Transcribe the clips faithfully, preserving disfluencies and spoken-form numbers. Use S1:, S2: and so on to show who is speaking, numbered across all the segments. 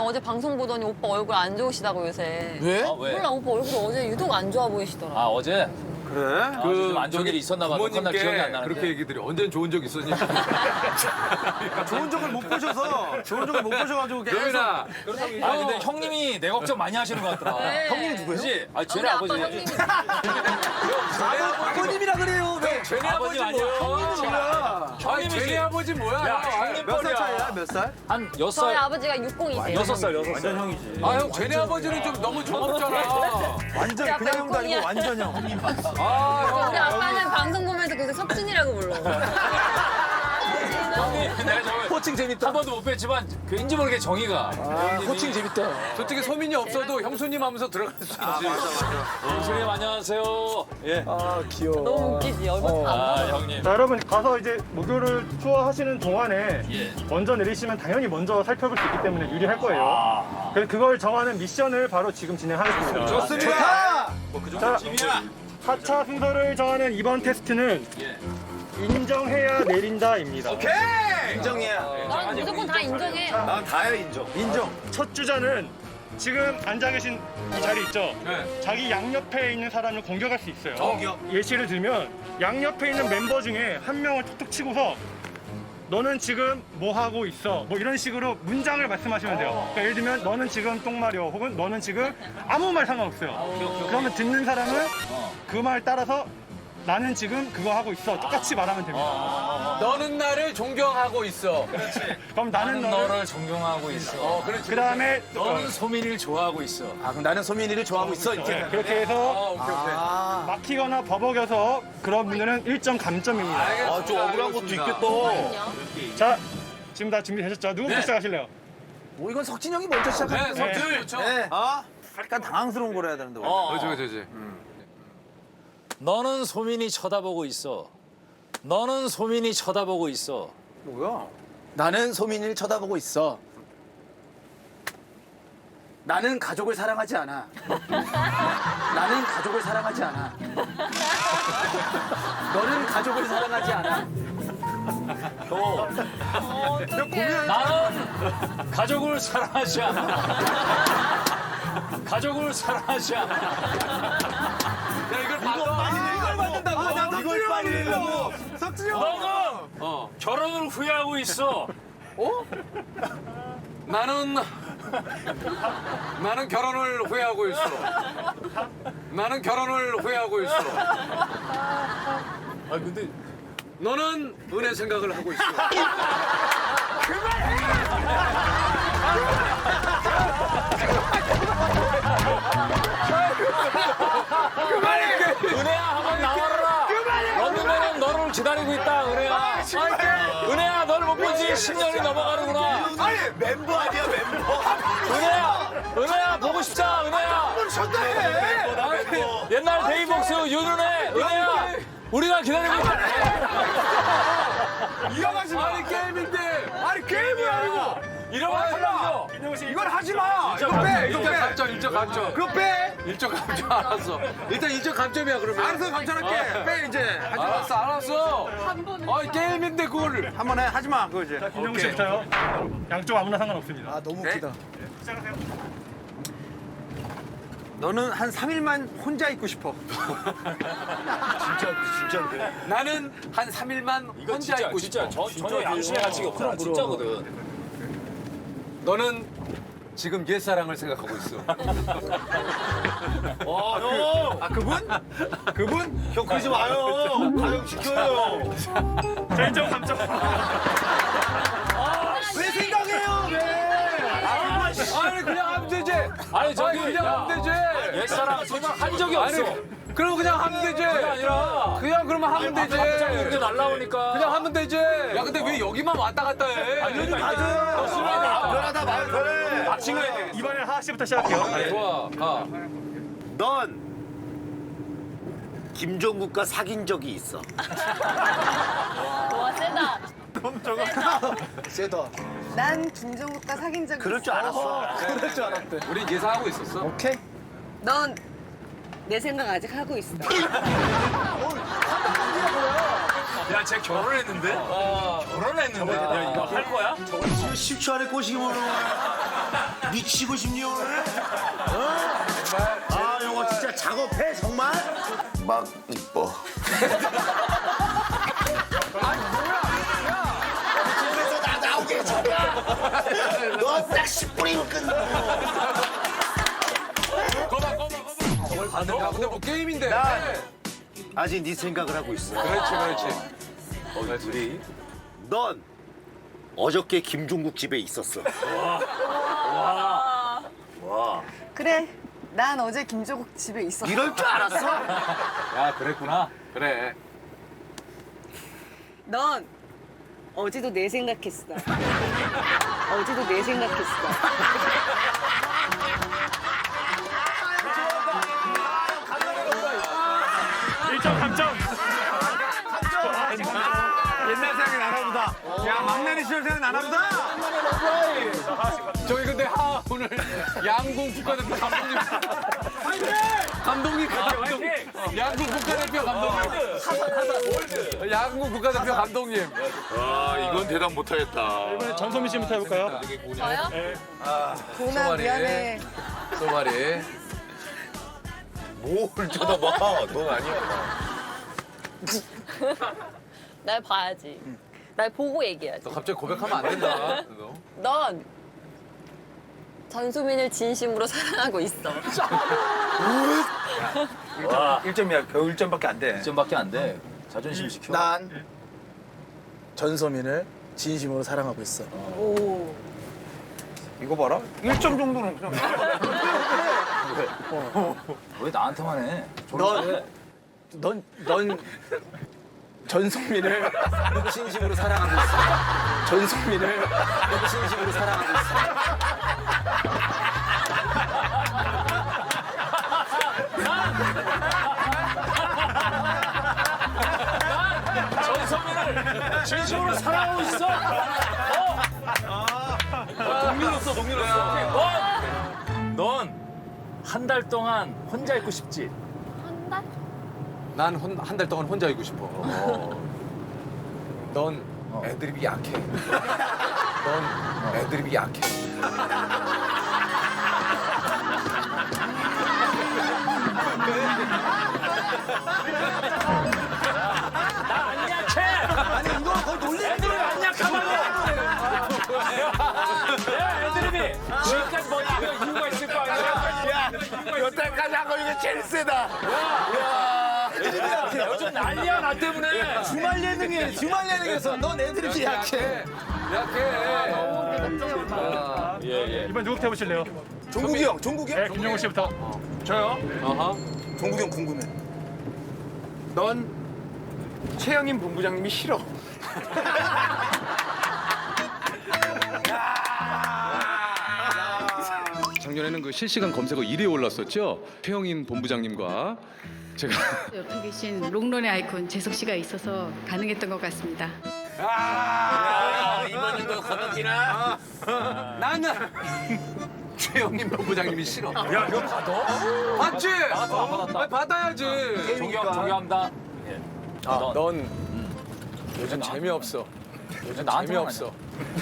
S1: 어제 방송 보더니 오빠 얼굴 안 좋으시다고 요새.
S2: 왜?
S3: 아, 왜?
S1: 몰라 오빠 얼굴 어제 유독 안 좋아 보이시더라.
S3: 아 어제?
S4: 그래?
S3: 아, 좀안 좋은 일이 있었나 봐. 그날 기억이 안 나는데.
S4: 그렇게 얘기들이 언제는 좋은 적 있었니?
S2: 좋은 적을 못 보셔서 좋은 적을 못 보셔가지고 계속.
S4: 여민아,
S3: 아 근데 형님이 내 걱정 많이 하시는 것 같더라.
S1: 네.
S3: 형님이 누구예요? 그치? 아
S1: 우리
S3: 쟤네
S1: 아빠
S3: 아버지.
S1: 형님이.
S2: 아버님이라 그래요. 왜?
S4: 쟤네
S3: 아버지
S4: 아버지
S3: 아니에요.
S4: 뭐야?
S2: 뭐야?
S4: 아니 쟤네 아버지 뭐야?
S3: 야,
S4: 형님
S2: 몇 살 차이야? 몇 살?
S3: 한 여섯
S1: 저희
S3: 살,
S1: 아버지가 육공이세요.
S3: 여섯 살, 여섯 살.
S2: 완전 형이지.
S4: 아 형 쟤네 아버지는 좀 너무 젊었잖아.
S2: 완전
S1: 약간
S2: 그냥 형도 아니고
S1: 형이야.
S2: 완전 형.
S4: 아
S1: 우리 아빠는 방송 보면서 계속 석진이라고 불러.
S3: 형님 내가 저번에
S2: 호칭 재밌다.
S3: 한 번도 못 뵀지만 왠지 모르게 정이가.
S2: 호칭 재밌다.
S4: 솔직히 소민이 없어도 형수님 하면서 들어갈 수 있지.
S3: 형수님 안녕하세요. 예.
S2: 아 귀여워.
S1: 너무 웃기지 얼굴 다.
S3: 아 형님.
S5: 자, 여러분 가서 이제 목요를 투어 하시는 동안에
S3: 예.
S5: 먼저 내리시면 당연히 먼저 살펴볼 수 있기 때문에 유리할 거예요.
S3: 아.
S5: 그래서 그걸 정하는 미션을 바로 지금 진행하겠습니다.
S4: 좋습니다.
S5: 자,
S3: 짐이야.
S5: 사 차 순서를 정하는 이번 테스트는
S3: 예.
S5: 인정해야 내린다입니다.
S2: 인정이야.
S1: 난 무조건 다 인정해.
S2: 난 다야 인정. 인정.
S5: 첫 주자는 지금 앉아 계신 이 자리 있죠?
S4: 네.
S5: 자기 양옆에 있는 사람을 공격할 수 있어요.
S2: 공격.
S5: 예시를 들면 양옆에 있는 멤버 중에 한 명을 툭툭 치고서 너는 지금 뭐 하고 있어? 뭐 이런 식으로 문장을 말씀하시면 돼요. 그러니까 예를 들면 너는 지금 똥 마려 혹은 너는 지금 아무 말 상관없어요. 그러면 듣는 사람은 그 말 따라서 나는 지금 그거 하고 있어. 똑같이 말하면 됩니다.
S4: 너는 나를 존경하고 있어.
S5: 그럼 나는
S3: 나는
S5: 너를
S3: 너를 존경하고 있어.
S4: 어 그렇지.
S5: 그 다음에
S3: 너는 소민이를 좋아하고 있어.
S2: 아 그럼 나는 소민이를 좋아하고 있어 이렇게.
S5: 그렇게
S4: 아
S5: 해서
S4: 오케이 오케이.
S2: 아,
S5: 막히거나 버벅여서 그런 분들은 일 점 감점입니다.
S4: 아,
S2: 좀 억울한 것도 있겠다.
S5: 자, 지금 다 준비되셨죠? 누구부터
S4: 네.
S5: 시작하실래요?
S2: 뭐 이건 석진 형이 먼저 시작하는
S4: 네,
S2: 거야.
S4: 석진 좋죠.
S2: 네. 아, 약간 당황스러운 걸 해야 되는데. 원래.
S3: 어.
S4: 그렇지 그렇지.
S3: 너는 소민이 쳐다보고 있어. 너는 소민이 쳐다보고 있어.
S2: 뭐야? 나는 소민이를 쳐다보고 있어. 나는 가족을 사랑하지 않아. 나는 가족을 사랑하지 않아. 너는 가족을 사랑하지 않아.
S3: 나는 가족을 사랑하지 않아. 가족을 사랑하지 않아.
S4: 야 이걸 받아.
S2: 이걸 받는다고? 아, 나도 이걸 빨리 내려고. 석진 형.
S3: 너는
S4: 어.
S3: 결혼을 후회하고 있어.
S4: 나는 나는 결혼을 후회하고 있어. 나는 결혼을 후회하고 있어.
S3: 아 근데
S4: 너는 은혜 생각을 하고 있어.
S3: 은혜야 한번 나와라. 런닝맨은 너를 기다리고 있다 은혜야. 은혜야 널 못 본 지 십 년이 넘어가는구나.
S2: 아니 멤버 아니야 멤버.
S3: 은혜야 은혜야 보고 싶다 은혜야. 옛날 데이복스 윤은혜 은혜야 우리가 기다리고 있다.
S4: 이어가지 마. 아니 게임인데. 아니 게임이 아니고.
S3: 이러면 탈락이죠.
S4: 이걸 하지 마. 이거 빼. 이거 빼. 감점, 일적 감점. 그거 빼. 일적 감점 알았어. 일단 일적 감점이야 그러면. 알았어 감점할게. 빼 이제. 하지 마. 알았어 알았어. 아 게임인데 그걸
S2: 한 번 해. 하지 마. 그거 이제.
S5: 자, 김정우 씨부터요. 양쪽 아무나 상관없습니다.
S2: 아 너무 웃기다.
S5: 시작하세요.
S4: 너는 한 삼 일만 혼자 있고 싶어.
S2: 진짜 진짜인데.
S4: 나는 한 삼 일만
S3: 이거
S4: 혼자
S3: 진짜
S4: 있고
S3: 진짜
S4: 싶어.
S3: 저, 전혀 양심의 가치가 없구나 진짜거든.
S4: 너는 지금 옛사랑을 생각하고 있어.
S3: 와 형.
S4: 아 그분? 그분?
S2: 형 그러지 마요. 가정 지켜요.
S5: 자, 일 점 감점.
S2: 왜 생각해요? 왜?
S4: 아니 그냥 하면 되지.
S3: 아니 저기
S4: 아니, 그냥
S3: 야,
S4: 하면 되지.
S3: 옛사랑 생각한 적이 없어.
S4: 아니 그럼 그냥 하면 되지.
S3: 그게 아니라
S4: 그냥 그러면 하면 되지.
S3: 갑자기 이렇게 날라오니까.
S4: 그냥 하면 되지. 야 근데 왜 여기만 왔다 갔다 해?
S3: 아니, 그러니까 이게
S2: 맞아요.
S3: 없으면
S2: 편하다 말 편해.
S3: 막힌 거야.
S5: 이번엔 하하 씨부터 시작할게요. 네.
S4: 좋아. 아.
S6: 넌 김종국과 사귄 적이 있어.
S1: 와 세다.
S2: 세다.
S7: 난 김종국과 사귄 적이
S6: 그럴 줄 알았어.
S2: 그럴 줄 알았대.
S4: 우리 예상하고 있었어.
S2: 오케이.
S7: 넌 내 생각 아직 하고 있어.
S3: 야, 쟤 결혼했는데? 결혼했는데? 야, 이거 할 거야?
S6: 십 초 안에 꼬시기 모르는 거야. 미치고 싶니 오늘? 어? 아 이거 진짜 작업해 정말? 막 이뻐. 집에서 나 나오게 해줘야. 너딱 십 분이면 끝나.
S4: 거봐 거봐 거봐. 야 근데 뭐 게임인데.
S6: 아직 네 생각을 하고 있어.
S4: 그렇지 그렇지.
S6: 우리 넌 어저께 김종국 집에 있었어.
S7: 그래. 난 어제 김조국 집에 있었어.
S6: 이럴 줄 알았어?
S3: 야, 그랬구나.
S4: 그래.
S7: 넌 어제도 내 생각했어. 어제도 내 생각했어.
S5: 일 점 감점.
S4: 옛날 생각이 나나 보다. 야 막내리 시절 생각 나나 보다. 저기 근데 하 오늘 양궁 국가대표 감독님. 감독님 감독. 양궁 국가대표 감독님. 양궁 국가대표 감독님.
S6: 아 이건 대답 못하겠다.
S5: 이번에 전소민 씨부터 해볼까요?
S1: 저요?
S7: 도나
S4: 소발이.
S7: 미안해.
S4: 소발이.
S6: 뭘 쳐다봐? 넌 아니야.
S1: 날 봐야지. 날 보고 얘기해야지.
S4: 너 갑자기 고백하면 안 된다. 너.
S1: 넌 전소민을 진심으로 사랑하고 있어.
S2: 일 점이야. 겨우 일 점밖에 안 돼.
S3: 일 점밖에 안 돼. 자존심 지켜.
S2: 난 전소민을 진심으로 사랑하고 있어.
S7: 오.
S2: 이거 봐라. 일 점 정도는 그냥.
S3: 왜 나한테만 해?
S2: 넌, 넌, 넌 전소민을 진심으로 사랑하고 있어. 전소민을 진심으로 사랑하고 있어.
S3: 전소민을 진심으로 사랑하고 있어.
S4: 동료로서 동료로서.
S3: 넌 한 달 동안 혼자 있고 싶지?
S1: 한 달?
S4: 난 한 달 동안 혼자 있고 싶어. 넌 애드립이 약해. 넌 애드립이 약해.
S3: 안 약해! 아니, 이거 거의 놀리는 애들이 안 약하다고! 야, 애드립이 지금까지 뭐 이거 이유가 있을 거 아니야?
S6: 여태까지 한 거 이게 제일 세다.
S3: 요즘 난리야, 나 때문에!
S2: 주말 예능에, 주말 예능에서 넌 애들이 약해.
S4: 약해.
S3: 예, 예.
S5: 이번 누구부터 해보실래요?
S2: 종국이 형, 종국이 형?
S5: 네, 김용호 씨부터.
S2: 저요?
S4: 어허.
S2: 종국이 형 궁금해.
S4: 넌 최영임 본부장님이 싫어. 작년에는 그 실시간 검색어 일 위에 올랐었죠. 최영임 본부장님과 제가
S8: 옆에 계신 롱런의 아이콘 재석 씨가 있어서 가능했던 것 같습니다.
S6: 아, 이번엔 너 거덕이나?
S4: 나는 최영임 본부장님이 싫어.
S3: 야, 이거 받아?
S4: 맞지?
S3: 받았어, 안 받았다?
S4: 아니, 받아야지.
S3: 존경, 존경합니다.
S4: 아, 넌 요즘 재미없어. 요즘
S3: 나한테만
S4: 재미없어.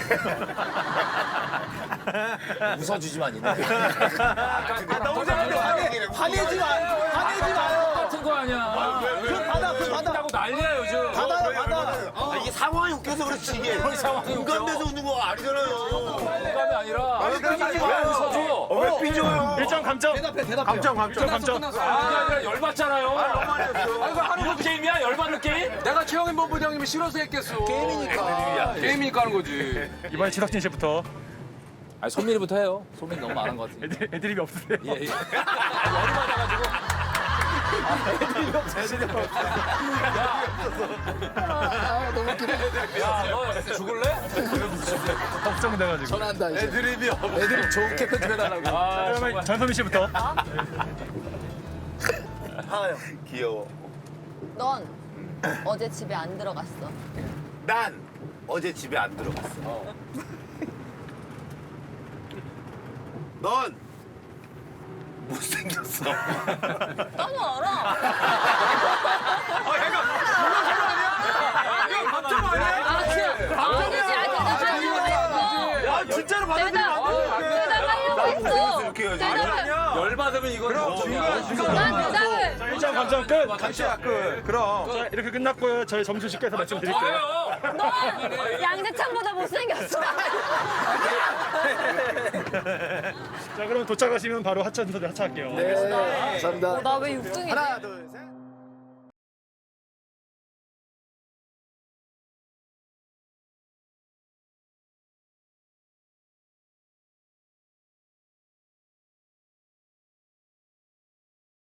S3: 웃어주지만 있네.
S2: 너무 잘하는데 화내, 화내지 마. 화내지 마요.
S3: 같은 거 아니야.
S2: 그럼 받아, 그럼 받아.
S3: 웃긴다고 난리야, 요즘.
S2: 받아요, 받아.
S6: 아, 이게 상황이 웃겨서 그렇지 이게.
S3: 상황이 웃겨.
S6: 공감돼서 웃는 거 아니잖아요.
S3: 감이 아니라.
S6: 아니,
S3: 왜
S6: 삐지지
S3: 웃어줘?
S6: 왜 삐져요?
S5: 일 점 감점.
S2: 대답해, 대답해.
S5: 감점, 감점, 감점.
S3: 그게 아니라 열받잖아요. 아, 이거 하는 거 게임이야? 열받는 게임?
S4: 내가 최영임 본부장님이 싫어서 했겠어. 게임이니까. 게임이니까 하는 거지.
S5: 이번에 지석진 씨부터.
S3: 아니, 소민이부터 해요. 소민 너무 많은 것 같은데.
S5: 애드, 애드립이 없으세요?
S3: 예, 예. 열이 받아가지고. 야, 너 죽을래?
S5: 걱정돼가지고.
S2: 전화한다, 이제.
S4: 애드립이 없어.
S2: 애들이 좋게 편집해달라고.
S3: 아,
S5: 그러면 전소민 씨부터.
S6: 귀여워.
S1: 넌 어제 집에 안 들어갔어.
S6: 난 어제 집에 안 들어갔어. 넌 못생겼어.
S1: 너무 알아.
S4: 감점 아니야?
S1: 아, 진짜. 아, 대답하려고 했어.
S6: 야 진짜로
S1: 대답, 대답하려고
S6: 해야지.
S4: 열 받으면 이건 정점이야.
S1: 정답은
S5: 자, 일 점 감점 끝.
S6: 감시야 끝. 그럼.
S5: 자, 이렇게 끝났고요. 저희 점수 집계해서 말씀드릴게요.
S3: 아유.
S1: 양재창보다 못생겼어.
S5: 자, 그럼 도착하시면 바로 하차선에 하차할게요.
S2: 네, 감사합니다.
S1: 나 왜 육 등이지?
S2: 하나, 둘, 셋.